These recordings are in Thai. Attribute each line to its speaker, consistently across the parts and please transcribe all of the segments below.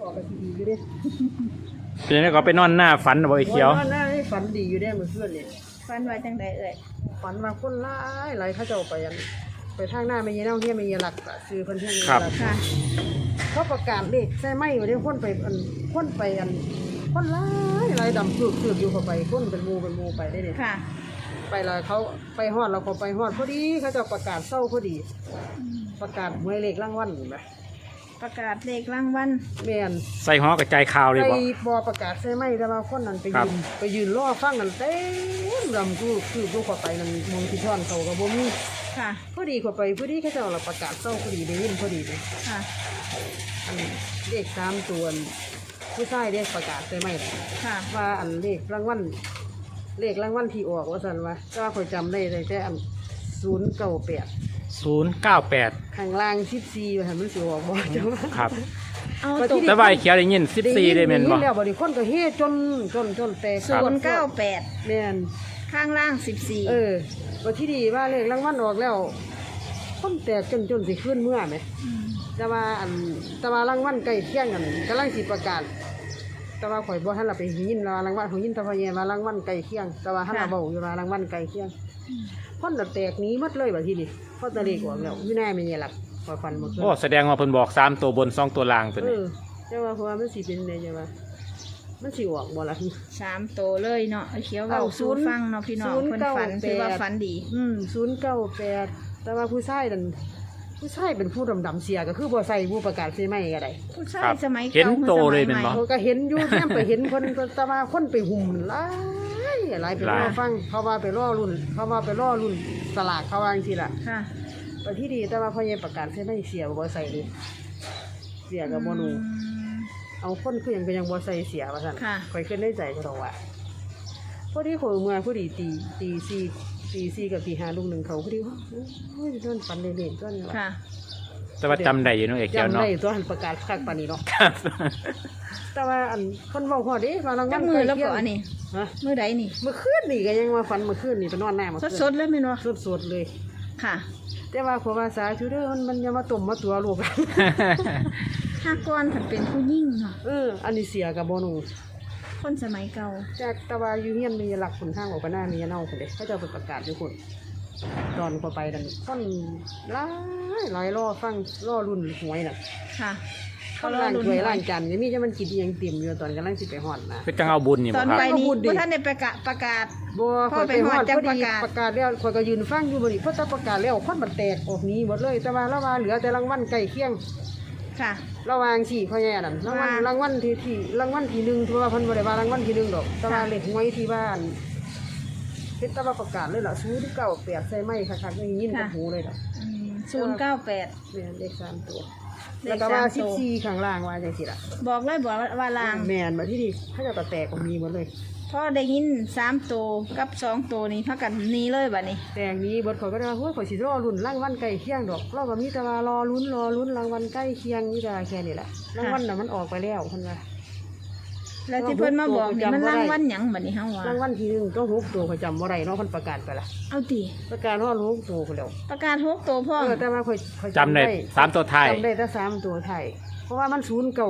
Speaker 1: ออกไปดีอยู่เด้
Speaker 2: เป็นยังไงก็ไปนอนหน้าฝันบ่ไอ้เขียว
Speaker 1: นอนหน้าให้ฝันดีอยู่เด้มื้อคืนนี่
Speaker 3: ฟันไว้จังใดเอ่ย
Speaker 1: ฝันว่าคนหลายเขาเจ้าไปไปทางหน้าแม่ยีเน่าเฮียแม่ยีหลักซื้อเพิ่นเฮียแม่ยีหลัก
Speaker 3: ค่ะ
Speaker 1: เขาประกาศเลขใช่ไหมว่าได้คนไปคนไปคนหลายดำคืออยู่เข้าไปคนเป็นหมู่ไปได้เด้
Speaker 3: ค่ะ
Speaker 1: ไปแล้วเขาไปฮอดเราก็ไปฮอดพอดีเขาเจ้าประกาศเศร้าพอดี ประกาศหวยเลขรางวัลเห็นไหม
Speaker 3: ประกาศเลขรางวัล
Speaker 1: แม่น
Speaker 2: ใส่หอกระจายข่าวเลย
Speaker 1: ไป
Speaker 2: บ่
Speaker 1: บอประกาศใช่ไหมแต่ว่าคนนั้นไป
Speaker 2: ครั
Speaker 1: ยื
Speaker 2: บ
Speaker 1: นรอฟังกันเต็มลำคือดูเข้าไปนั่นมองที่ท่อนเขากับบ่มี
Speaker 3: ค่ะ
Speaker 1: พอดีเข้าไปพอดีเขาเจ้าเราประกาศเศร้าพอดีได้ยินพอดีเลย
Speaker 3: ค่ะ
Speaker 1: อันเลข3ตัวผู้ชายเรียกประกาศใช่ไหม
Speaker 3: ค่ะ
Speaker 1: ว่าอันเลขรางวัลที่ออกว่าซั่นว่าแต่ว่าข่อยจำได้แต่อัน098
Speaker 2: 098
Speaker 1: ข้างล่าง14ว่าหั่นมันสิออกบ่จังว่า
Speaker 2: ครับ
Speaker 3: เอา
Speaker 1: ไป
Speaker 3: ต
Speaker 1: ที่
Speaker 3: ก
Speaker 2: แต่ว่าไอ้เขียวได้ยิน14ได้แม่นบ่
Speaker 1: แล้วบ่ได้คนก็เฮ็ดจนแตก
Speaker 3: 098
Speaker 1: แม่น
Speaker 3: ข้างล่าง14
Speaker 1: ว่าที่ดีว่าเลขรางวัลออกแล้วคนแตกจนสิขึ้นเมื่อไหมแต่ว่ารางวัลใกล้เที่ยงกันกำลังสิประกาศแต่ว่าข่อยบ่ทันละไปยินว่ารางวัลของยินตะพะแยว่ารางวัลใกล้เที่ยงแต่ว่าทันละเว้าอยู่ว่ารางวัลใกล้เที่ยงคนน่ะแตกหนีหมดเลยว่าที่นี่เพราะตะเลขออกแล้วอยู่แน่แม่นหลักข่อยฟันบ่ขึ้น
Speaker 2: โอ้แสดงว่าเพิ่นบอก3ตัวบน2ตัวล่างตัวนี้
Speaker 1: แต่ว่าเพราะว่ามันสิเป็นไดจังว่ามันสิออกบ่ล่ะ
Speaker 3: 3ตัวเลยเนาะไอ้เขียวเว้าสู่ฟังเนาะพี่น้องเพิ่นฝันถือว่าฝันดี
Speaker 1: 098แต่ว่าผู้ชายนั่นผู้ชายเป็นผู้ดำๆเสียก็คือบ่ใส่ผู้ประกาศใช่ไหมก็ได้
Speaker 3: ผู้ชาย
Speaker 2: ครับ
Speaker 3: สมัย
Speaker 2: เห็น
Speaker 3: เก่า
Speaker 2: โตเลยเป็นบ่
Speaker 1: เขาก็เห็นอยู่แม่ไปเห็นคนแต่ว่าคนไปหุ่มหลายไปรอฟังเขาว่าไปรอรุ่นสลากเขาว่าจังซี่ล่ะ
Speaker 3: ค่ะ
Speaker 1: แต่ที่ดีแต่ว่าพ่อใหญ่ประกาศใช่ไหมเสียบ่ใส่เลยเสียก็บ่รู้เอาคนคือหยังก็ยังบ่ใส่เสียว่าซั่น
Speaker 3: ค่ะ
Speaker 1: ข่อยขึ้นในใจเขาดอกว่าพอดีข่อยเมื่อพอดีตี4กับตี5ลูกหนึงเขาพอดีว่าโอ้ยโดนฝันเล่นๆก็นี่ล่ะ
Speaker 3: ค่ะ
Speaker 2: แต่ว่าจำได้อยู่เนาะไอ้เขียว
Speaker 1: จำ
Speaker 2: เนาะ
Speaker 1: ได้ตัวหันประกาศคักปานนี้เนาะ
Speaker 2: ครับ
Speaker 1: แต่ว่าอันคนเว้าฮอดเด้ว่ารางวั
Speaker 3: จั
Speaker 1: ล
Speaker 3: กมือแล้วก็อันนี้
Speaker 1: ฮะ
Speaker 3: มือใดนี่
Speaker 1: เมื่อคืนนี่ก็ยังว่าฝันเมื่อคืนนี่ไปนอนหน้าเมื่อคืน
Speaker 3: สดๆเลยแม่นบ่
Speaker 1: สดๆเลย
Speaker 3: ค่ะ
Speaker 1: แต่ว่าขอว่าสาธุเด้อมันอย่ามาต้มมาตัวลูก
Speaker 3: ถ้าก่อนถ้าเป็นผู้หญิงเนาะ
Speaker 1: อันนี้เสียกับบ่หนู
Speaker 3: คนสมัยเก่า
Speaker 1: จากตะวาอยู่เฮียนมีหลักคนทางออกไปหน้ามีเน่าคนเด้เขาเจะไปประกาศอยู่คนตอนพอไปดันคนหลายรอฟังรอรุ่นหวยน่ะ
Speaker 3: ค่ะ
Speaker 1: เขาล่างถ้วยล่างจานนี่มีจะมันกินอิหยังเต็มอยู่ตอนกำลังสิไปฮอดนะ
Speaker 2: คือจังเอาบุญนี่
Speaker 3: ต
Speaker 2: บ่
Speaker 3: อน
Speaker 2: ครับ
Speaker 3: ไปนี่
Speaker 1: พูดดิ
Speaker 3: บ่ท่านได้ประกาศ
Speaker 1: บ่
Speaker 3: พ่
Speaker 1: ข่
Speaker 3: อ
Speaker 1: อย
Speaker 3: ไป
Speaker 1: ไปฮ
Speaker 3: ฮ
Speaker 1: อ
Speaker 3: อ
Speaker 1: ด
Speaker 3: ดจั
Speaker 1: พ
Speaker 3: ง
Speaker 1: อดี
Speaker 3: ประกาศ
Speaker 1: แล้วข่อยก็ยืนฟังอยู่บ่นี่เพราะถ้าประกาศแล้วคนมันแตกออกหนี้หมดเลยแต่ว่าเราว่าเหลือแต่รางวัลใกล้เคียง
Speaker 3: ค่ะ
Speaker 1: ระหว่างสี่พ่อแย่นั่นรางวัลที่หนึ่งถือว่าเพิ่นบ่ได้ว่ารางวัลที่หนึ่งดอกแต่ว่าเลขหวยที่บ้านเฮ็ดแต่ว่าประกาศเลยล่ะ098ใส่ไม้คักๆได้ยินกับหูเลยล่ะ
Speaker 3: 098
Speaker 1: แม่นเลข3ตัว
Speaker 3: เลข
Speaker 1: แล้วก็ว่า
Speaker 3: 3ตัว
Speaker 1: 14ข้างล่างว่าจังซี่ล่ะ
Speaker 3: บอกเลยบอกว่าลาง
Speaker 1: แม่นบัดที่นี่เขาจะแตกออกมีหมดเลย
Speaker 3: พอได้ยิน3ตัวกับ2ตัวนี้พากันหนี้เลยบัดนี้
Speaker 1: แตกนี้เบิดข่อยก็ได้ว่าโอ้ยข่อยสิรอลุ้นรางวัลใกล้เคียงดอกเราก็มีแต่ว่ารอลุ้นรางวัลใกล้เคียงนี่แต่แค่นี้แหละรางวัลน่ะมันออกไปแล้วเพิ่นว่า
Speaker 3: แล้วที่เพิ่นมาบอกนี่มัน
Speaker 1: จำบ่ได้
Speaker 3: รางวัลหยังบัดนี้เฮาว่าร
Speaker 1: างวัลที่หนึ่งก็6ตัวข่อยจำบ่ได้เนาะเพิ่นประกาศไปละ
Speaker 3: เอาติ
Speaker 1: ประกาศว่า6ตัวพุ่นแล้ว
Speaker 3: ประกาศ6ตัวพ่อ
Speaker 1: แต่ว่าข่อย
Speaker 2: จำได้3ตัวท้าย
Speaker 1: จำได้แต่3ตัวไทยเพราะว่ามัน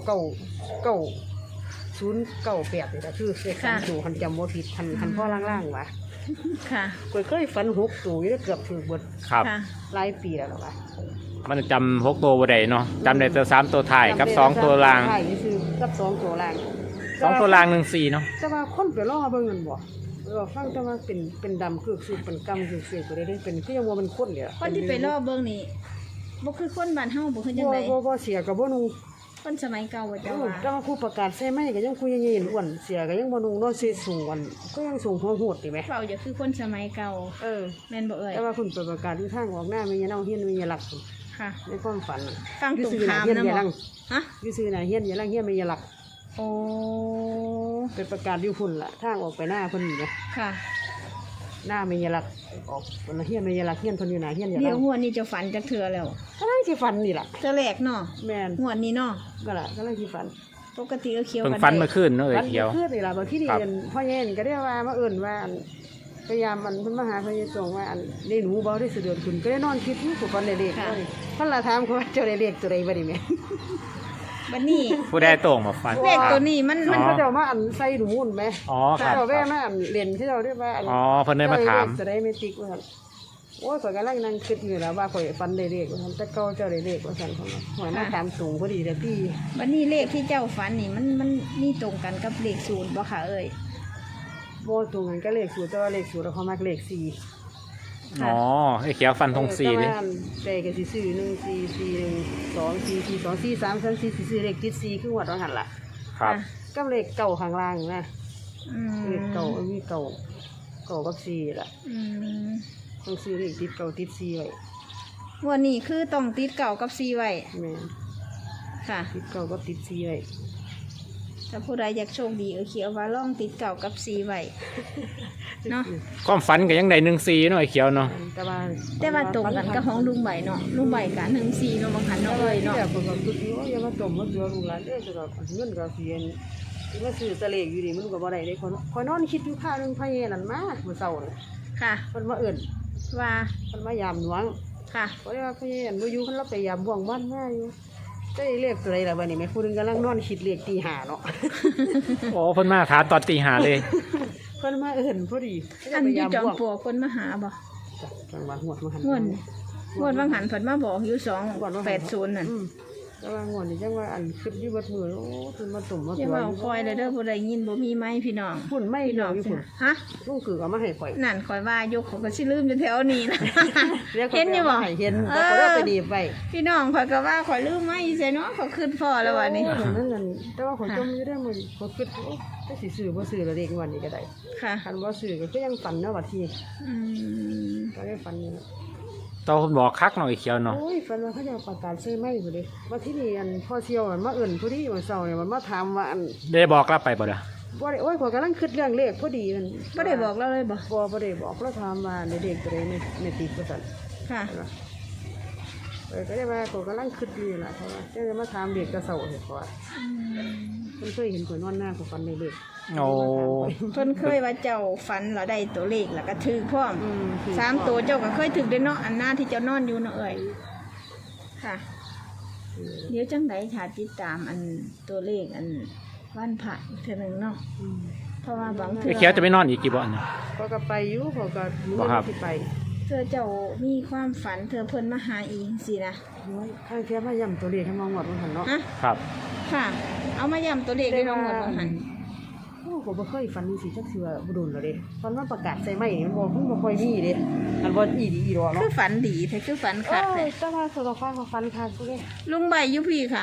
Speaker 1: 099 นี่ล่ะคือเลข3ตัวคันจำบ่ผิดคันพ่อล่างๆว่ะ
Speaker 3: ค่ะ
Speaker 1: ข่อยเคยฝัน6ตัวอยู่ได้เกือบถูกเบิด
Speaker 2: ครับ
Speaker 3: ค่ะ
Speaker 1: หลายปีแล้วล่ะว่ะ
Speaker 2: มันจำ6ตัวบ่ได้เนาะจำได้แต่3ตัวท้ายกับ2ตัวล่าง
Speaker 1: ไทยนี่คือกับ2ตัวล่าง
Speaker 2: 2ตัวล่าง14เนาะ
Speaker 1: แต่ว่าคนไปรอเบิ่งนั่นบ่ฟังแต่ว่าเป็นดำคือสุดเป็นกำคือเสียก็ได้เป็นคือยังว่ามันคนเนี่ย
Speaker 3: คนที่ไปรอบเบิ่งนี่บ่คือคนบ้านเฮาบ่คือจังได๋
Speaker 1: บ่เสียกับบ่นุ่ง
Speaker 3: คนสมัยเก่าว่าจะว่า
Speaker 1: แต่ว่าผู้ประกาศใส่ไม้ก็ยังคุยยังอ้วนเสียก็ยังบ่นุ่งเนาะสิสูงวันก็ยังสูงหัวโหดติแหม
Speaker 3: เว้าอย่าคือคนสมัยเก่า แม่นบ่เอ่ย
Speaker 1: แต่ว่าคุณไปประกาศที่ทางออกหน้ามีเนาเฮียนมีหลัก
Speaker 3: ค่ะ
Speaker 1: ในความฝัน
Speaker 3: ฟังตรงข้าม
Speaker 1: เฮียน
Speaker 3: นะ
Speaker 1: อย่า
Speaker 3: บ่
Speaker 1: ลัง
Speaker 3: ฮะ
Speaker 1: อยู่ซื่อน่ะเฮียนอย่าลังเฮียนมีหลัก
Speaker 3: โอ้
Speaker 1: เป็นประกาศอยู่พุ่นล่ะทางออกไปหน้าเพิ่นนี่นะ
Speaker 3: ค่ะ
Speaker 1: หน้ามีหลักออกเฮียนมีหลักเฮียนเพิ่นอยู่หน้าเฮียนอย่า
Speaker 3: เดี๋
Speaker 1: ลั
Speaker 3: ยว
Speaker 1: ง
Speaker 3: หัวนี้จะฝันจักเทื่อแล้ว
Speaker 1: กำลังสิฝันนี่ล่ะ
Speaker 3: เทื่อแรกเนาะ
Speaker 1: แม่น
Speaker 3: หัวนี้เนาะ
Speaker 1: ก็ล่ะกำลังสิฝัน
Speaker 3: ปกติก็เคี้ยว
Speaker 2: เพิ่ง
Speaker 3: กัน
Speaker 2: ฝัน
Speaker 3: ได้
Speaker 2: เมื่อคืนเนาะไอ้
Speaker 1: ฝัน
Speaker 2: เขียว
Speaker 1: คือนี่ล่ะบางที่นี่
Speaker 2: ครับ
Speaker 1: พ่อแย่นก็ได้ว่ามาเอิ้นว่าพยายามเพิ่นมาหาพ่อแย่ส่งว่าได้หนูบ่ได้เสด็จคุณก็ได้นอนคิดอยู่กับฝันได้เลขเลยเพิ่นละถามเขาว่าเจ้าได้เลขตัวใดบ่ได้แม่
Speaker 3: บัดนี้
Speaker 2: ผู้ใดโต่งมาฟัน
Speaker 3: เลขตัวนี้มัน
Speaker 1: มันเขาเจ้ามาอันใส่ดูมุ่นไหม
Speaker 2: อ๋อค
Speaker 1: เขา
Speaker 2: รับ
Speaker 1: เจ้าแว่มาอันเรียนที่เราเรียกว่าอัน
Speaker 2: อ๋อเพิ่นได้มาถาม
Speaker 1: จะได้ไม่ติ๊กว่าโอ้ยข่อยกำลังนั่งคิดอยู่แล้วว่าข่อยฟันได้เลขว่าแต่เก่าเจ้าได้เลขว่าซั่นของหัวหน้าถามสูงพอดีแต่พี่
Speaker 3: บัดนี้เลขที่เจ้าฝันนี่มันนี่ตรงกันกับเลขศูนย์บ่ค่ะเอ้ย
Speaker 1: บ่ตรงกันก็เลขสูตรแต่ว่าเลขสูตรเขามักเลข4
Speaker 2: อ๋อไอ้เขียวฟันธง4เลย
Speaker 1: แต่ก็สิซื้อ1 4 4 1 2 4 4 2 4 3 3 4สิซื้อเลขติด4คือหวดว่าหั่นล่ะ
Speaker 2: ครับ
Speaker 1: กับเลขเก่าข้างล่างนะ
Speaker 3: อืม
Speaker 1: เลขเก่ามีเก่ากับ4ล่ะ
Speaker 3: อืม
Speaker 1: ต้องซื้อเลขติดเก่าติด4ไว้
Speaker 3: วันนี้คือต้องติดเก่ากับ4ไว้
Speaker 1: แม่น
Speaker 3: ค่ะ
Speaker 1: ติดเก่ากับติด4ไว้
Speaker 3: ถ้าผู้ใดอยากโชคดีเขียวว่าล่องติดเก่ากับ4ไว้เนาะ
Speaker 2: ความฝันก็ยังได้14เนาะไอ้เขียวเนาะ
Speaker 3: แต่ว่าตรงกันกับของลุงใบเนาะลุงใบกัน14เนาะบางคันเนาะเอ้ยเนาะ
Speaker 1: แต่ผมก็คิดว่าอย่ามาต้มมาเสือลูกหลานเด้อจะดอกเงินก็เสียนมาซื้อตะเลขอยู่นี่มันก็บ่ได้เด้คอยนอนคิดอยู่ข้าวนึงพะเยนั่นมามื้อเช้านี่
Speaker 3: ค่ะ
Speaker 1: เพิ่นมาเอิ้น
Speaker 3: ว่า
Speaker 1: เพิ่นมายามหลวง
Speaker 3: ค่ะ
Speaker 1: เพราะว่าพะเยนั่นบ่อยู่เพิ่นเราไปยามบ่วงบ้านมาอยู่ได้เลขตัวใดล่ะบัดนี้แม่ผู้นึงกำลังนอนคิดเลขตี5เนาะ
Speaker 2: โอ้เพิ่นมาถามตอนตีห้าเลย
Speaker 1: เพิ่นมาเอิ้นพอดี
Speaker 3: อันอยู่จอมปลวกคนมาหาบ่
Speaker 1: จังหวัดหวดมาหัน
Speaker 3: งวดบางหันเพิ่นมาบอกอยู่280นั่น
Speaker 1: แต่ว่างวดนี้จังว่าอันคิดอยู่เบิดมื้อโอ้เพิ่นมาต้มมา
Speaker 3: อย่า
Speaker 1: ตัว
Speaker 3: เว้าคอยเลยเด้อผู้ใดยินบ่มีไม้พี่น้อง
Speaker 1: พุ่นไม่
Speaker 3: พี่
Speaker 1: ด
Speaker 3: น้
Speaker 1: อ
Speaker 3: อก ง
Speaker 1: อยู่พุ่น
Speaker 3: ฮะ
Speaker 1: ลูกคือเอามาให้ข่อย
Speaker 3: นั่นคอยว่ายกเขาก็สิลืมอยู่แถวนี้นะ เห็นอยู่บ่
Speaker 1: เห็นแต่ก็ได้ไปดีไป
Speaker 3: พี่น้องข่อยก็ว่าข่อยลืมไม้ใส่เนาะเขาขึ้นพอแล้ววันนี้
Speaker 1: นั่นแต่ว่าข่อยจมอยู่ได้มื้อข่อยคิดโอ้ถ้าสิซื้อบ่ซื้อแล้วเด็กวันนี้ก็ได้
Speaker 3: ค่ะ
Speaker 1: คันบ่ซื้อก็ยังฝันเนาะว่าที่
Speaker 3: อืม
Speaker 1: ก็ได้ฝันนี่
Speaker 2: ตอนเพิ่นบอกคักเนาะไอ้เขียวเนาะ
Speaker 1: โอ้ยฝันว่าเขาจะประกาศซื้อไม้พุ่นเด้ว่าที่นี่อันพ่อเสี่ยวมันมาเอิ้นผู้ที่วันเสาร์เนี่ยมันมาถามว่าอัน
Speaker 2: ได้บอกกลับไปบ่ล่ะ
Speaker 1: บ่ได้โอ้ยข่อยกำลังคิดเรื่องเลขพอดีมัน
Speaker 3: บ่ได้บอกเราเลยบ่
Speaker 1: บ่ได้บอกแล้วถามว่าในเด็กตัวใดในติดว่าซั่น
Speaker 3: ค่ะ
Speaker 1: ก็ได้ว่าข่อยกำลังคิดอยู่ล่ะเพราะว่าจะมาถามเด็กกระเซาเฮ็ดว่า
Speaker 3: อืม
Speaker 1: เพิ่นเคยเห็นข่อยนอนหน้าข่อยฝันในเลข
Speaker 2: โอ้
Speaker 3: เพิ่นเคยว่าเจ้าฝันเราได้ตัวเลขแล้วก็ถือพร้อม
Speaker 1: คือ
Speaker 3: 3ตัวเจ้าก็เคยถือได้เนาะอันหน้าที่เจ้านอนอยู่เนาะเอ้ยค่ะ เดี๋ยวจังไดค่ะติดตามอันตัวเลขอันวันพระอีกเทื่อนึงเนาะเพราะว่าบางเทื่
Speaker 2: ไอ้
Speaker 3: อ
Speaker 2: เขียวจะไปนอนอีกกี่บ่เนี่ย
Speaker 1: เขาก็ไปอยู่เขาก็มี
Speaker 2: บ่ครับ
Speaker 1: ที่ไป
Speaker 3: เธอเจ้ามีความฝันเธอเพิ่นมาหาอีกสินะ
Speaker 1: โอ้ยข้างเทียบมาย่ำตัวเลขให้มองหมดมันหันเนาะ
Speaker 3: ฮะ
Speaker 2: ครับ
Speaker 3: ค่ะ เอามาย้ำตัวเลขได้ลงหมดบ่หัน
Speaker 1: โอ้ผมบ่เคยฝันสิจักเทื่อบ่โดนแล้วเด้ฝันว่าประกาศใส่ไม้นี่มันบ่ค่อยมีเด้อันบ่อีดีอีดอก
Speaker 3: คื
Speaker 1: เนาะ
Speaker 3: อฝันดีแท้คือฝันคัก
Speaker 1: โอ้
Speaker 3: แท้
Speaker 1: ยแต่ว่าสตอฟ้าเขาฝันคักเด้
Speaker 3: ลุงใบอยู่พี่ค่ะ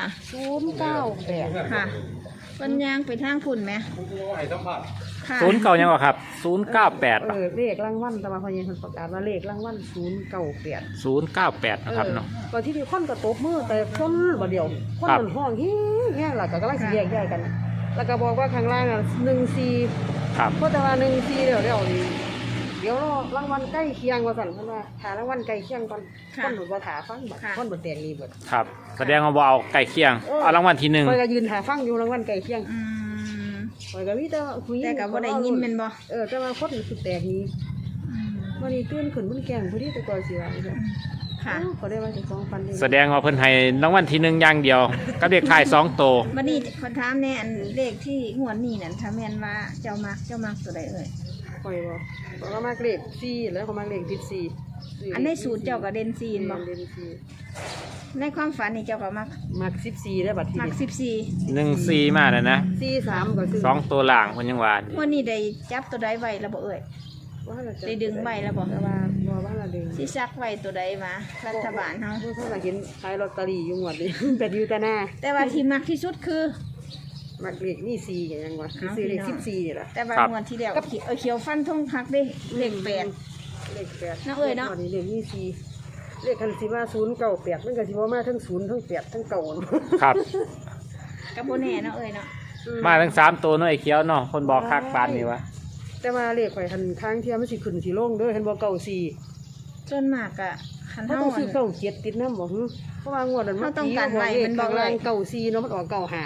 Speaker 1: 098
Speaker 3: ค่ะเพิ่นย่างไปทางพุ่นไหมค่ะ
Speaker 2: 09ยังบ่ครับ098
Speaker 1: เลขรางวัลแต่ว่าพอเย็นเพิ่นประกาศว่าเลขรางวัล098
Speaker 2: 098นะครับเนาะ
Speaker 1: ก่อนที่มีคนก็ตบมือแต่คนบ่เดียวคน
Speaker 2: ครับ
Speaker 1: มันห้องแห้งล่ะก็กำลังสิแยกย้ายกัน แล้วก็บอกว่าข้างล่างอ่ะ14
Speaker 2: ครับ
Speaker 1: เพราะแต่ว่า14เดี๋ยวนี่เดี๋ยวรางวัลใกล้เคียงว่าซั่นเพิ่นว่าหารางวัลใกล้เคียงก่อนคนบ่ว่าถาฟังบัดคนบ่แตกนี่เบิด
Speaker 2: ครับ แสดงว่าบ่เอาใกล้เคียง เอารางวัลที่หนึ่ง
Speaker 1: ข่อยก็ยืนหาฟังอยู่รางวัลใกล้เคียง
Speaker 3: อืม
Speaker 1: ข่อยก็มีแต่ผู้หญิง
Speaker 3: แต่ก็บ่ได้ยินแม่นบ่
Speaker 1: แต่ว่าคนคือแตกนี้
Speaker 3: อืม
Speaker 1: วันนี้ตื่นขึ้นมันแกล้งผู้ที่แต่ก่อนสิว่าจังซี่
Speaker 3: ค่ะ
Speaker 1: ก็ได้ว่าเจะของฟันนี่
Speaker 2: แสดงว่าเพิ่นให้รางวัลที่หนึ่งอย่างเดียวกับเลขท้าย2ตัว
Speaker 3: บัดนี้ขอถามแน่อันเลขที่งวดนี้นั่นถ้าแม่นว่าเจ้ามักตัวใดเอ่ย
Speaker 1: ข่อยบ่ข่อยก็มักเลข4แล้วก็มักเลข14
Speaker 3: อันในสูตรเจ้าก็เด่นซีนบ่
Speaker 1: เด่นสี่
Speaker 3: ในความฝันนี่เจ้าก็
Speaker 1: มัก14ได้บัดที
Speaker 3: มัก
Speaker 1: นี้
Speaker 3: 14
Speaker 2: 14มาแล้วนะ
Speaker 1: 43ก็คือ
Speaker 2: 2ตัวล่างเพิ่นยังว่า
Speaker 3: วันนี้ได้จับตัวใดไว้แล้วบ่เอ่ย ได้ดึงใบแล้วบ่
Speaker 1: แต่ว่าบ่ว่าละดึง
Speaker 3: สิซักไว้ตัวใดมารัฐบาลเฮา
Speaker 1: เพิ่นว่าเห็นขายลอตเตอรี่อยู่งวดนี้ เป็ดอยู่แต่หน้า
Speaker 3: แต่ว่าที่มักที่สุดคือ
Speaker 1: มักเลขนี่4ก็ยังว่าคือซื้อเลข14นี่ล่ะ
Speaker 3: แต่ว่างวดที่แล้วเขียวฟันทงคักเด้เลข8
Speaker 1: เลข8
Speaker 3: เนาะเอ้ยเนาะ
Speaker 1: งวดนี้เลขนี่4เลขคันสิว่า098มันก็สิบ่มาทั้ง0ทั้ง8ทั้ง9
Speaker 2: ครับ
Speaker 3: ก็บ่แน่เนาะเอ้ยเนาะ
Speaker 2: มาทั้ง3ตัวเนาะไอ้เขียวเนาะคนบอกคักปานนี้วะ
Speaker 1: แต่ว่าเลขข่อยคันค้างเที่ยมันสิขึ้นสิลงเด้อเห็นบ่94
Speaker 3: ส่วนมากอะคัน
Speaker 1: เขา
Speaker 3: เฮา
Speaker 1: ต้องซื้อ97ติดนำบ่ฮึเพราะว่างวดนั้น
Speaker 3: เขาต้องการไว้มันบอกไว้
Speaker 1: ข้างล่าง94เนาะมันออก95เนาะ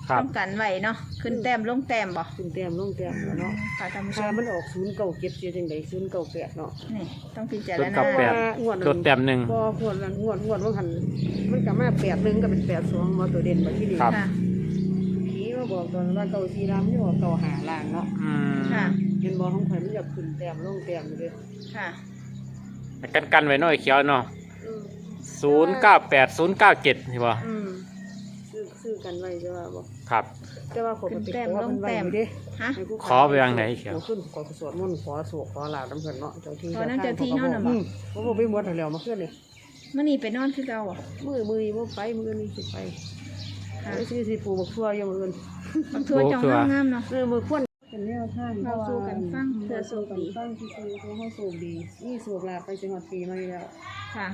Speaker 2: ครับ
Speaker 3: ต้องกันไว้เนาะขึ้นแต้มลงแต้มบ่
Speaker 1: ขึ้นแต้มลงแต้มแล้วเนาะ
Speaker 3: ค่ะท่านผู้ช
Speaker 1: ถ้าม มันออก097เสียจังได๋098เนาะ
Speaker 3: นี่ต้องพิจาร
Speaker 2: ศูนย์เก้า
Speaker 3: ณา
Speaker 2: แปด
Speaker 1: งวด
Speaker 2: ลดแต้มหนึ่ง
Speaker 1: บ่งวดนั้นงวดว่าหันมันก็มา81ก็เป็น82มาตัวเด่นบัดที่นี่
Speaker 2: ครับ
Speaker 3: ค่ะ
Speaker 1: ผีมาบอกตอนว่าเก่าสีรามนี่ว่าเก่าหาล่างเนาะ
Speaker 2: อืม
Speaker 3: ค่ะ
Speaker 1: เห็นบ่ของข่อยมันอยากขึ้นแต้มลงแต้มอยู่เด้อ
Speaker 3: ค่ะ
Speaker 2: กันไว้หน่อยเขียวเนาะ
Speaker 1: อืม
Speaker 2: 098 097นี่บ่
Speaker 1: อืมซื้อกันไว้จะว่าบ่
Speaker 2: ครับ
Speaker 1: แต่ว่าผมไป
Speaker 3: ขึ้นแต้ม
Speaker 1: ขอ
Speaker 3: ล
Speaker 1: เพิ่
Speaker 3: ง
Speaker 1: นไว้
Speaker 3: แต้ม
Speaker 1: อยู่เด้
Speaker 3: ฮะ
Speaker 1: ให้ผู้
Speaker 2: ขอไปวางไหนเขียว
Speaker 1: ขอขึ้นขอสวดมนต์ขอโศกขอลาบน้ำเพิ่นเนาะเจ้าที่
Speaker 3: ขอน้ำเจ้าที่เนาะน่ะบ่
Speaker 1: บ่บ่ไปหมดแล้วมาขึ้นนี่
Speaker 3: มื้อนี้ไปนอนคือเก่าบ่
Speaker 1: มือบ่ไปมื้อนี้สิไป
Speaker 3: ค่ะ
Speaker 1: ไอ้สิปลูกบักทั่วอยู่มื้ออื่น
Speaker 3: บักทั่วจองงามๆเนาะ
Speaker 1: มื้อควรเป็นแนวทาง
Speaker 3: เราสู้กันฟังเพื่อโช
Speaker 1: สู้
Speaker 3: ค
Speaker 1: กัน
Speaker 3: ดี
Speaker 1: ฟังที่คือเฮาโชคดีนี่โชคลาภไปสิฮอดปีใหม่แล้ว
Speaker 3: ค่ะ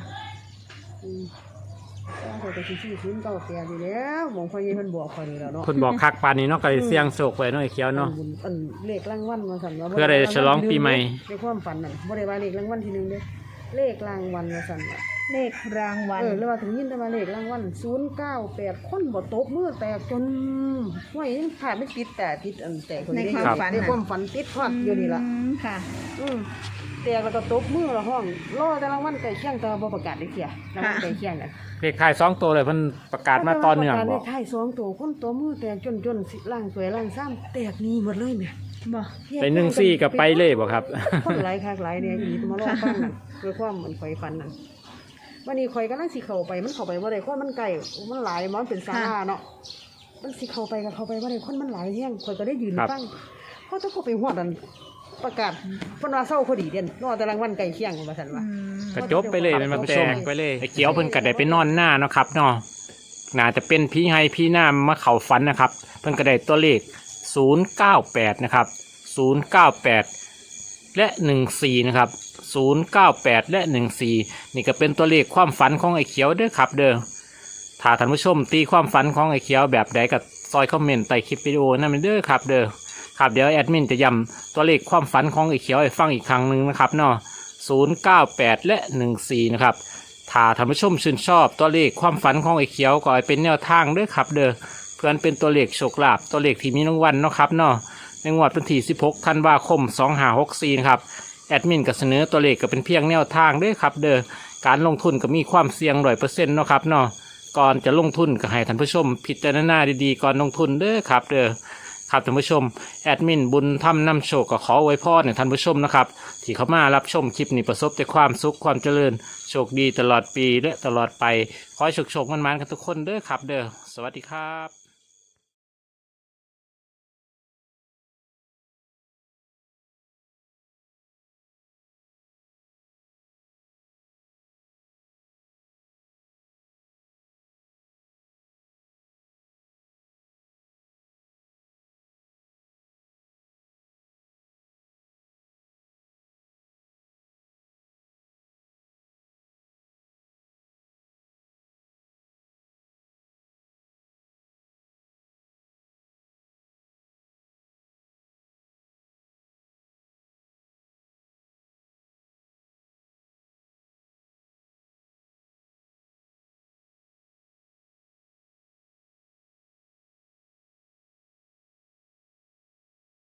Speaker 1: ก็จะซื้อ098อยู่แล้วหมองพ่อใหญ่เพิ่นบอกข่อยนี่แล้วเนาะ
Speaker 2: เพิ่นบอกคักปานนี้เนาะก็เลยเสี่ยงโชคไว้หน่อยเขียวเนาะ
Speaker 1: อันเลขรางวัลมาสั่นว่า
Speaker 2: เพื่อได้ฉลองปีใหม่
Speaker 1: ในความฝันน่ะบ่ได้ว่าเลขรางวัลที่หนึ่งเด้เลขรางวัลมาสั่นว่า
Speaker 3: เลขรางวัล
Speaker 1: แล้วว่าถึงยินแต่ว่าเลขรางวัล098คนบ่ตบมือแตกจนห้วยยังขาดไม่ติดแต่ติดอันแตกคน
Speaker 3: ใน
Speaker 1: นี้
Speaker 3: ความฝัน
Speaker 1: ในความฝันติดฮอดอยู่นี่ล่ะ
Speaker 3: ค่ะ
Speaker 1: แตกแล้วก็ตบมือละห้องรอแต่รางวัลใกล้เคียงแต่ว่าบ่ประกาศได้เที่ยรางวัลใกล้เคียงน่ะ
Speaker 2: เลขท้าย2ตัวเลยเพิ่นประกาศมาต่อเนื่อง
Speaker 1: ประกาศ
Speaker 2: บ
Speaker 1: เล
Speaker 2: อก
Speaker 1: ขท้าย2ตัวคนตัวมือแตกจนสิล่างสวยล่างซ้ำแตกหนี่หมดเลยแหม
Speaker 3: บ่
Speaker 2: ไป14กับไปเลยบ่ครับ
Speaker 1: คนหลายคักหลายเนี่ยอีมาลองฟังนั่นด้วยความเหมือนข่อยฟันนั่นวันนี้ข่อยกำลังสิเข้าไปมันเข้าไปบ่ได้คนมันไกลมันหลายมันเป็นศาลาเนาะมันสิเข้าไปก็เข้าไปบ่ได้คนมันหลายแฮงข่อยก็ได้ยืน
Speaker 2: ครับ
Speaker 1: ฟังเขาต้องเข้าไปฮอดนั่นประกาศเพิ่นว่าเศร้าพอดีเด่นรอแต่รางวัลใกล้เคียงว่าซั่นว่า
Speaker 2: ก็จบไปเลยมันมาแตกไปเลยไอ้เขียวเพิ่นก็ได้ไปนอนหน้าเนาะครับเนาะน่าจะเป็นพี่ให้พี่หน้ามาเข้าฝันนะครับ เพิ่นก็ได้ตัวเลข098นะครับ098และ14นะครับ098และ14นี่ก็เป็นตัวเลขความฝันของไอ้เขียวเด้อครับ เด้อถ้าท่านผู้ชมตีความฝันของไอ้เขียวแบบใดก็ซอยคอมเมนต์ใต้คลิปวิดีโอนั่นเด้อครับเด้อครับเดี๋ยวแอดมินจะย้ำตัวเลขความฝันของไอ้เขียวให้ฟังอีกครั้งหนึงนะครับเนาะ098และ14นะครับถ้าท่านผู้ชมชื่นชอบตัวเลขความฝันของไอ้เขียวก็ให้เป็นแนวทางเด้อครับ เด้อเพื่อนเป็นตัวเลขโชคลาภตัวเลขที่มีรางวัลเนาะครับเนาะในงวดวันที่16ธันวาคม2564นะครับแอดมินก็เสนอตัวเลขก็เป็นเพียงแนวทางเด้อครับ เด้อการลงทุนก็มีความเสี่ยง100%เนาะครับเนาะก่อนจะลงทุนก็ให้ท่านผู้ชมพิจารณาดีๆก่อนลงทุนเด้อครับ เด้อครับท่านผู้ชมแอดมินบุญทำนำโชคก็ขอไว้พรให้ท่านผู้ชมนะครับที่เข้ามารับชมคลิปนี้ประสบแต่ความสุขความเจริญโชคดีตลอดปีและตลอดไปขอให้โชคๆมันๆกันทุกคนเด้อครับ เด้อสวัสดีครับ